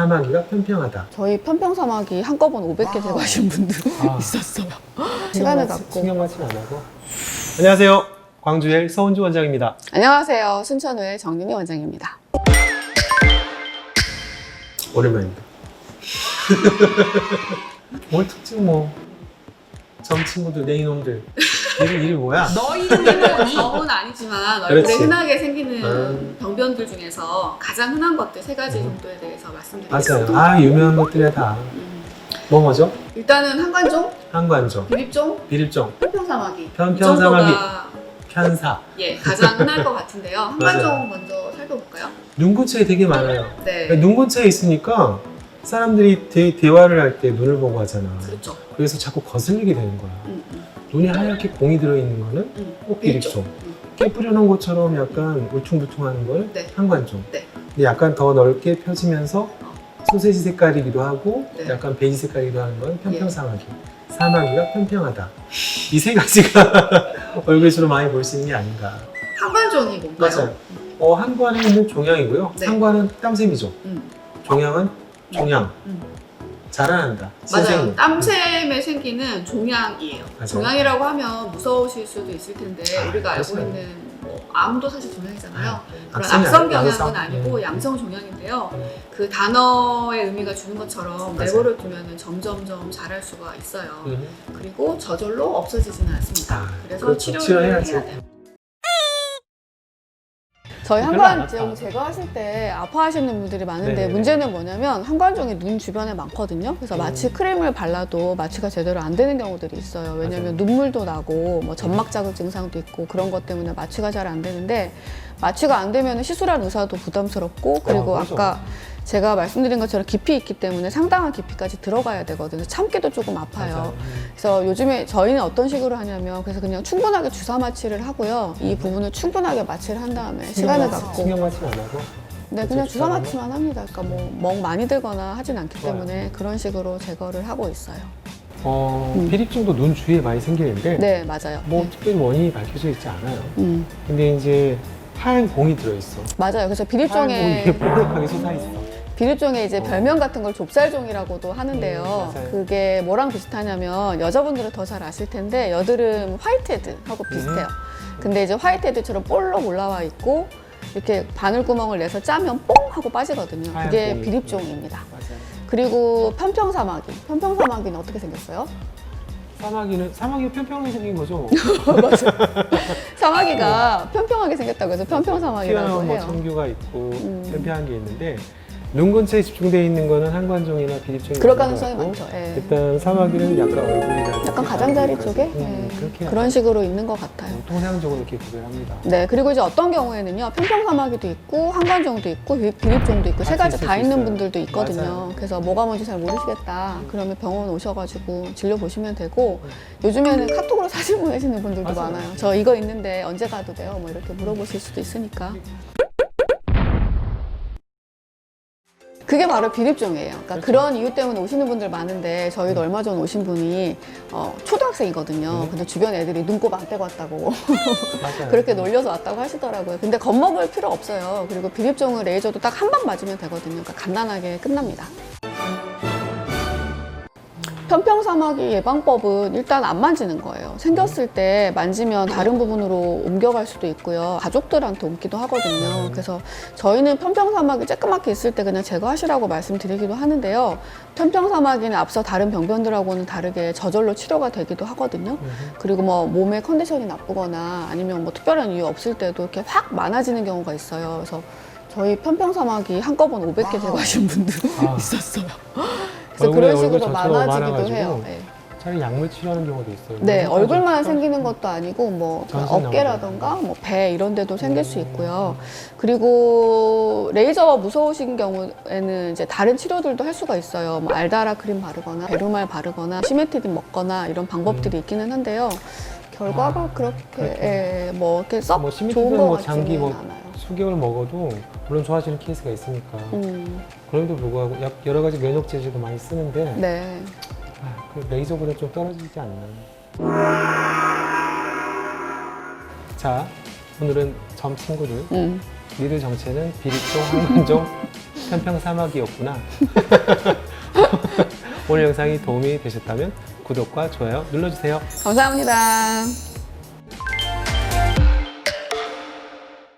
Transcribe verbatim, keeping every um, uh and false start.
사마귀가 평평하다. 저희 편평사마귀 한꺼번에 오백 개 제거하신 분들 아. 있었어요. 시간을 갖고. 신경 맞지 안 하고. 안녕하세요. 광주엘 서은주 원장입니다. 안녕하세요. 순천의 정윤희 원장입니다. 오랜만입니다. 오늘 특징 뭐. 점 친구들, 내 이놈들. 이름, 이름 뭐야? 너 이름은 점은 아니지만 얼굴에 그렇지. 흔하게 생기는 음. 병변들 중에서 가장 흔한 것들 세 가지 정도에 대해서 말씀드리겠습니다. 맞아요. 아, 유명한 것들이야 다. 음. 뭐 뭐죠? 일단은 한관종, 한관종, 비립종, 비립종, 편평사마귀. 편평사마귀. 이 정도가 편사. 예, 가장 흔할 것 같은데요. 한관종 맞아요. 먼저 살펴볼까요? 눈 근처에 되게 많아요. 네. 눈 근처에 있으니까 사람들이 대, 대화를 할 때 눈을 보고 하잖아. 그렇죠. 그래서 자꾸 거슬리게 되는 거야. 음, 음, 눈이 하얗게 공이 들어있는 거는 음. 꼭 비립종. 음. 깨 뿌려놓은 것처럼 약간 울퉁불퉁하는 걸 네. 한관종. 네. 근데 약간 더 넓게 펴지면서 소세지 색깔이기도 하고 네. 약간 베이지 색깔이기도 하는 건 편평사마귀. 사마귀가 평평하다. 이 세 가지가 얼굴에 주로 많이 볼 수 있는 게 아닌가. 한관종이 뭔가요? 맞아요. 어, 한관에 있는 종양이고요. 네. 상관은 땀샘이죠. 음. 종양은 종양. 음. 자라난다. 맞아요. 신생이. 땀샘에 생기는 종양이에요. 맞아요. 종양이라고 하면 무서우실 수도 있을 텐데 아, 우리가 알고 그렇죠. 있는 뭐 암도 사실 종양이잖아요. 그런 악성이 악성 아니- 경향은 양성. 아니고 음. 양성 종양인데요. 음. 그 단어의 의미가 주는 것처럼 맞아요. 내버려 두면 점점점 자랄 수가 있어요. 음. 그리고 저절로 없어지지는 않습니다. 아, 그래서 그렇죠. 치료를 치료해야지. 해야 돼요. 저희 별로 안 한관종 아파. 제거하실 때 아파하시는 분들이 많은데 네네네. 문제는 뭐냐면 한관종이 눈 주변에 많거든요. 그래서 마취 음. 크림을 발라도 마취가 제대로 안 되는 경우들이 있어요. 왜냐면 맞아요. 눈물도 나고 뭐 점막 자극 증상도 있고 그런 것 때문에 마취가 잘 안 되는데 마취가 안 되면 시술할 의사도 부담스럽고 그리고 아, 그렇죠. 아까 제가 말씀드린 것처럼 깊이 있기 때문에 상당한 깊이까지 들어가야 되거든요. 참기도 조금 아파요. 맞아요. 음. 그래서 요즘에 저희는 어떤 식으로 하냐면 그래서 그냥 충분하게 주사 마취를 하고요. 이 부분을 충분하게 마취를 한 다음에 시간을 갖고 신경 맞지 안 하고. 네, 그냥 주사 마취만 합니다. 그러니까 뭐 멍 많이 들거나 하진 않기 좋아요. 때문에 그런 식으로 제거를 하고 있어요. 어, 음. 비립종도 눈 주위에 많이 생기는데 네, 맞아요. 뭐 네. 특별히 원인이 밝혀져 있지 않아요. 음, 근데 이제 하얀 공이 들어있어. 맞아요. 그래서 하얀 공이 비립종에 이렇게 뽀록하게 솟아있어. 비립종에 이제 어. 별명 같은 걸 좁쌀종이라고도 하는데요. 음, 맞아요. 그게 뭐랑 비슷하냐면 여자분들은 더 잘 아실 텐데 여드름 화이트헤드하고 비슷해요. 근데 이제 화이트헤드처럼 볼록 올라와 있고 이렇게 바늘구멍을 내서 짜면 뽕 하고 빠지거든요. 하얀 그게 뽕이. 비립종입니다. 맞아요. 그리고 편평사마귀. 편평사마귀는 어떻게 생겼어요? 사마귀는 사마귀가 평평하게 생긴 거죠. 사마귀가 평평하게 생겼다고 해서 편평사마귀라고 튀어나온 뭐 해요. 청규가 있고 음. 평평한 게 있는데 눈 근처에 집중되어 있는 거는 한관종이나 비립종이 그럴 많은 것 가능성이 같고, 많죠. 예. 일단 사마귀는 약간 얼굴이라든지 약간 가장자리 쪽에 음, 예. 그렇게 그런 식으로 있는 것 같아요. 통상적으로 이렇게 구별합니다. 네, 그리고 이제 어떤 경우에는요, 편평사마귀도 있고, 한관종도 있고, 비- 비립종도 있고, 세 같이 가지 있을 다 수 있는 있어요. 분들도 있거든요. 맞아요. 그래서 뭐가 뭔지 잘 모르시겠다. 그러면 병원 오셔가지고 진료 보시면 되고, 요즘에는 카톡으로 사진 보내시는 분들도 맞아요. 많아요. 저 이거 있는데 언제 가도 돼요? 뭐 이렇게 물어보실 수도 있으니까. 그게 바로 비립종이에요. 그러니까 그렇죠. 그런 이유 때문에 오시는 분들 많은데 저희도 얼마 전 오신 분이 어, 초등학생이거든요. 네. 근데 주변 애들이 눈곱 안 떼고 왔다고 맞아요. 그렇게 놀려서 왔다고 하시더라고요. 근데 겁먹을 필요 없어요. 그리고 비립종은 레이저도 딱 한 방 맞으면 되거든요. 그러니까 간단하게 끝납니다. 편평사마귀 예방법은 일단 안 만지는 거예요. 생겼을 때 만지면 다른 부분으로 옮겨갈 수도 있고요. 가족들한테 옮기도 하거든요. 그래서 저희는 편평사마귀 쬐끄맣게 있을 때 그냥 제거하시라고 말씀드리기도 하는데요. 편평사마귀는 앞서 다른 병변들하고는 다르게 저절로 치료가 되기도 하거든요. 음. 그리고 뭐 몸의 컨디션이 나쁘거나 아니면 뭐 특별한 이유 없을 때도 이렇게 확 많아지는 경우가 있어요. 그래서 저희 편평사마귀 한꺼번에 오백 개 제거하신 분들 아. 있었어요. 그래서 얼굴에 그런 식으로 얼굴 전체로 많아지기도 많아가지고 해요. 네, 차라리 약물 치료하는 경우도 있어요. 네, 그래서 얼굴만 아주 생기는 것도 아니고 뭐 전신 어깨라던가 뭐 배 이런 데도 생길 수 음. 있고요. 그리고 레이저가 무서우신 경우에는 이제 다른 치료들도 할 수가 있어요. 뭐 알다라 크림 바르거나 베르말 바르거나 시메티딘 먹거나 이런 방법들이 있기는 한데요. 결과가 아, 그렇게 그렇죠. 예, 뭐 이렇게 썩 뭐 좋은 시미티든 것 뭐 같지는 장기 뭐 않아요. 수개월 먹어도 물론 좋아지는 케이스가 있으니까 음, 그럼에도 불구하고 약- 여러 가지 면역 제제도 많이 쓰는데 네. 아, 그 레이저보다 좀 떨어지지 않나. 자, 오늘은 점 친구들 음. 니들 정체는 비립종, 한관종, 편평사막이었구나. 오늘 영상이 도움이 되셨다면 구독과 좋아요 눌러주세요. 감사합니다.